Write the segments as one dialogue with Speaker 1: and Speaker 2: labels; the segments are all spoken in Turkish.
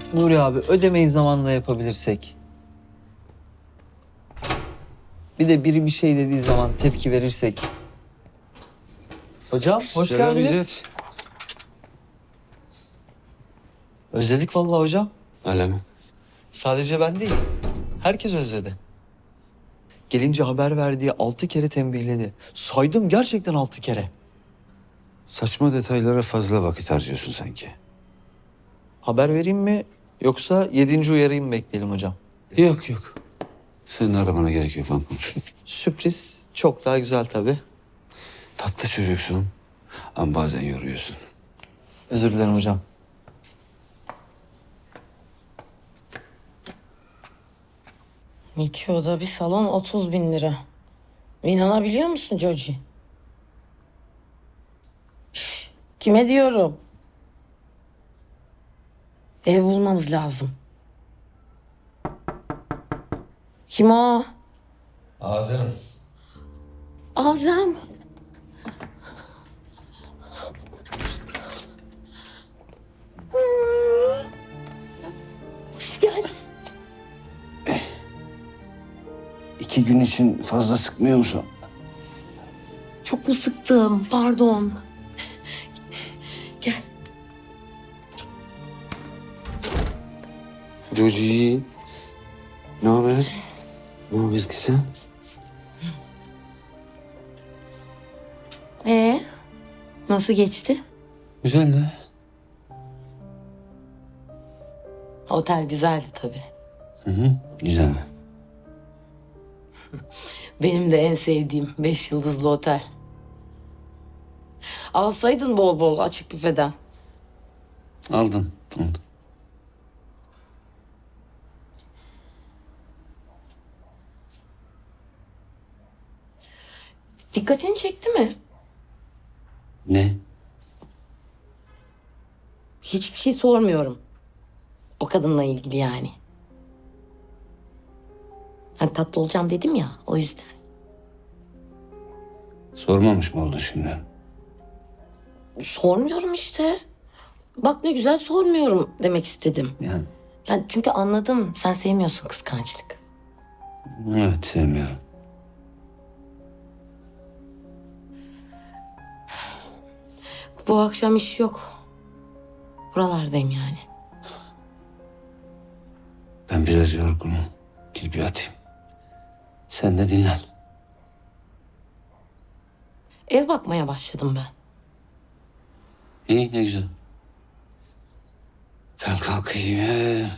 Speaker 1: Nuri abi ödemeyi zamanla yapabilirsek. Bir de biri bir şey dediği zaman tepki verirsek. Hocam hoş
Speaker 2: Selam
Speaker 1: geldiniz.
Speaker 2: İzzet.
Speaker 1: Özledik vallahi hocam.
Speaker 2: Öyle mi?
Speaker 1: Sadece ben değil. Herkes özledi. Gelince haber verdiği 6 kere tembihledi. Saydım gerçekten 6 kere.
Speaker 2: Saçma detaylara fazla vakit harcıyorsun sanki.
Speaker 1: Haber vereyim mi yoksa 7. uyarıyı mı bekleyelim hocam?
Speaker 2: Yok yok. Senin aramana gerek yok, ben konuşurum.
Speaker 1: Sürpriz çok daha güzel tabii.
Speaker 2: Tatlı çocuksun ama bazen yoruyorsun.
Speaker 1: Özür dilerim hocam.
Speaker 3: İki oda bir salon 30.000 lira. İnanabiliyor musun Joji? Şş, kime diyorum? Ev bulmamız lazım. Kim o?
Speaker 2: Azem.
Speaker 3: Azem. Hoş geldin.
Speaker 2: 2 gün için fazla sıkmıyor musun?
Speaker 3: Çok mu sıktım? Pardon. Gel.
Speaker 2: Joji. Ne haber? Ne haber kızım?
Speaker 3: Nasıl geçti?
Speaker 2: Güzel de.
Speaker 3: Otel güzeldi tabii.
Speaker 2: Güzel.
Speaker 3: Benim de en sevdiğim 5 yıldızlı otel. Alsaydın bol bol açık büfeden.
Speaker 2: Aldım. Aldım.
Speaker 3: Dikkatini çekti mi?
Speaker 2: Ne?
Speaker 3: Hiçbir şey sormuyorum. O kadınla ilgili yani. Hani tatlı olacağım dedim ya, o yüzden.
Speaker 2: Sormamış mı oldun şimdi?
Speaker 3: Sormuyorum işte. Bak ne güzel sormuyorum demek istedim.
Speaker 2: Yani.
Speaker 3: Yani çünkü anladım, sen sevmiyorsun kıskançlık.
Speaker 2: Evet, sevmiyorum.
Speaker 3: Bu akşam iş yok. Buralardayım yani.
Speaker 2: Ben biraz yorgunum. Gidip yatayım. Sen de dinlen.
Speaker 3: Ev bakmaya başladım ben.
Speaker 2: İyi, ne güzel. Ben kalkayım.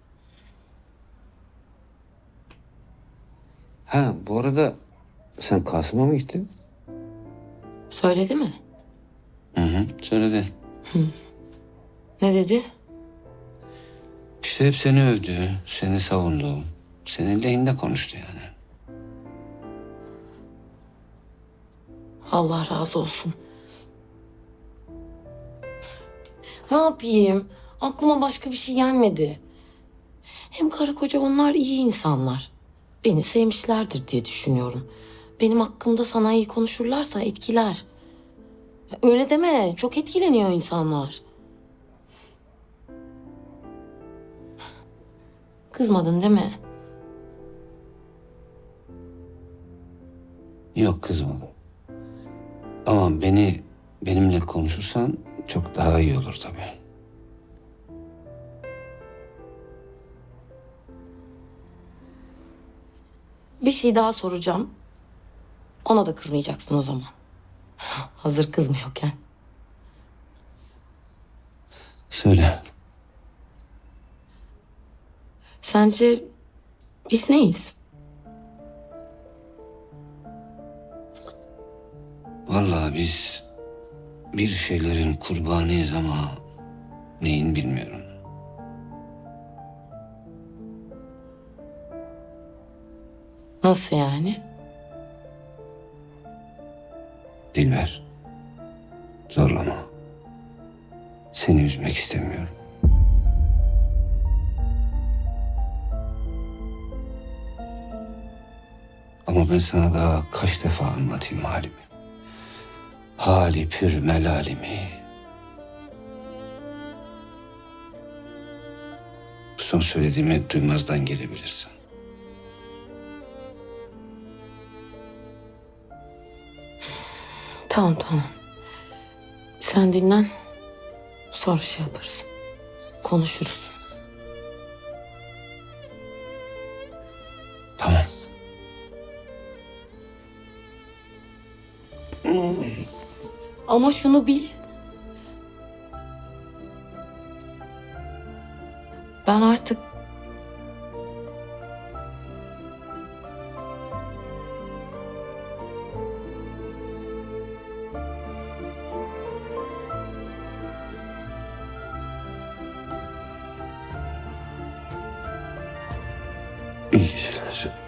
Speaker 2: Ha, bu arada sen Kasım'a mı gittin?
Speaker 3: Söyledi mi?
Speaker 2: Söyledi.
Speaker 3: Ne dedi?
Speaker 2: İşte hep seni övdü, seni savundu. Senin lehinde konuştu yani.
Speaker 3: Allah razı olsun. Ne yapayım? Aklıma başka bir şey gelmedi. Hem karı koca onlar iyi insanlar. Beni sevmişlerdir diye düşünüyorum. Benim hakkımda sana iyi konuşurlarsa etkiler. Öyle deme. Çok etkileniyor insanlar. Kızmadın değil mi?
Speaker 2: Yok, kızmadım. Ama benimle konuşursan çok daha iyi olur tabii.
Speaker 3: Bir şey daha soracağım. Ona da kızmayacaksın o zaman. Hazır kızmıyorken.
Speaker 2: Söyle.
Speaker 3: Sence biz neyiz?
Speaker 2: Vallahi biz bir şeylerin kurbanıyız ama neyin bilmiyorum.
Speaker 3: Nasıl yani?
Speaker 2: Dilber, zorlama. Seni üzmek istemiyorum. Ama ben sana daha kaç defa anlatayım halimi. Hali pür melalimi. son söylediğimi duymazdan gelebilirsin.
Speaker 3: Tamam tamam. Sen dinlen. Sonra şey yaparız. Konuşuruz.
Speaker 2: Tamam.
Speaker 3: Ama şunu bil. Ben artık
Speaker 2: İyi geceler.